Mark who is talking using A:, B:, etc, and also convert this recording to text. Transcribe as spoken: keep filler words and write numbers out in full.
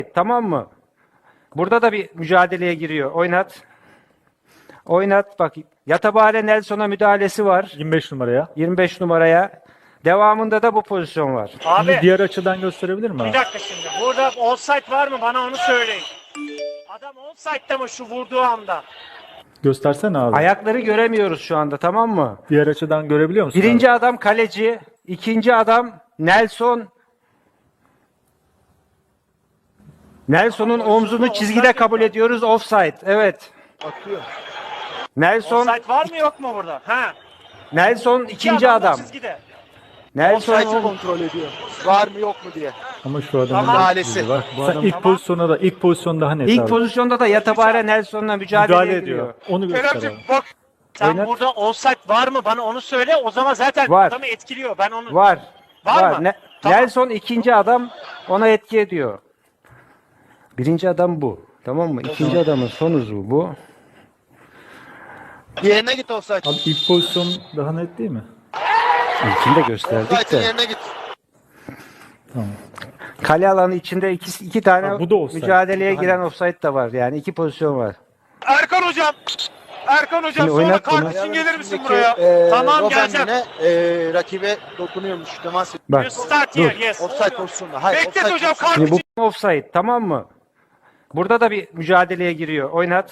A: Tamam mı? Burada da bir mücadeleye giriyor. Oynat. Oynat bak. Yatabare Nelson'a müdahalesi var.
B: yirmi beş numaraya.
A: yirmi beş numaraya. Devamında da bu pozisyon var.
B: Şimdi
C: Abi
B: diğer açıdan gösterebilir mi
C: bir
B: abi?
C: dakika şimdi. Burada offside var mı? Bana onu söyleyin. Adam offside'da mı şu vurduğu anda?
B: Göstersene abi.
A: Ayakları göremiyoruz şu anda, tamam mı?
B: Diğer açıdan görebiliyor musun
A: Birinci
B: abi?
A: adam kaleci, ikinci adam Nelson. Nelson'un omzunu çizgide kabul ediyoruz. Offside. Evet.
D: Atıyor.
A: Nelson
C: Offside var mı yok mu burada? Ha.
A: Nelson ikinci
C: adam da
A: adam.
C: çizgide.
A: Nelson
D: Offside'ı kontrol ediyor. Var mı yok mu diye.
B: Ama şu adamın
C: Tamam.
D: Müdahalesi.
B: var. Bu
D: Sen
B: adam ilk
C: Tamam.
B: pozisyonda da ilk pozisyon daha net
A: ilk
B: abi.
A: pozisyonda da Yatabare Nelson'la mücadeleye
B: Müdahale
A: giriyor.
B: ediyor. Onu göster
C: Kerem'cim
B: abi.
C: bak. Sen
A: Oynat.
C: burada offside var mı? Bana onu söyle. O zaman zaten
A: Var.
C: adamı etkiliyor. Ben onu...
A: Var.
C: Var mı?
A: Ne-
C: Tamam.
A: Nelson ikinci adam, ona etki ediyor. Birinci adam bu. Tamam mı? İkinci adamın son uzvu bu.
D: Yerine git offside.
B: Abi ilk pozisyon daha net değil mi?
A: İlkini de gösterdik
D: Offside'ın
A: de.
D: yerine git.
B: Tamam.
A: Kale alanı içinde iki, iki tane
B: Ha, bu da offside.
A: mücadeleye
B: Bu daha
A: giren
B: net.
A: offside de var. Yani iki pozisyon var.
C: Erkan hocam. Erkan hocam
A: Şimdi
C: sonra
A: oynat
C: kart
A: bunu.
C: için gelir misin
D: Üstündeki,
C: buraya?
D: e,
C: Tamam
D: Robben
C: geleceğim.
D: yine, e, rakibe dokunuyormuş. Temas ediyor.
A: Bak.
C: You start
A: Dur.
C: here. Yes.
D: Offside pozisyonunda. Hayır,
C: Beklet
D: offside
C: hocam
D: pozisyonunda.
C: kart
A: Şimdi
C: için.
A: bu offside, tamam mı? Burada da bir mücadeleye giriyor. Oynat.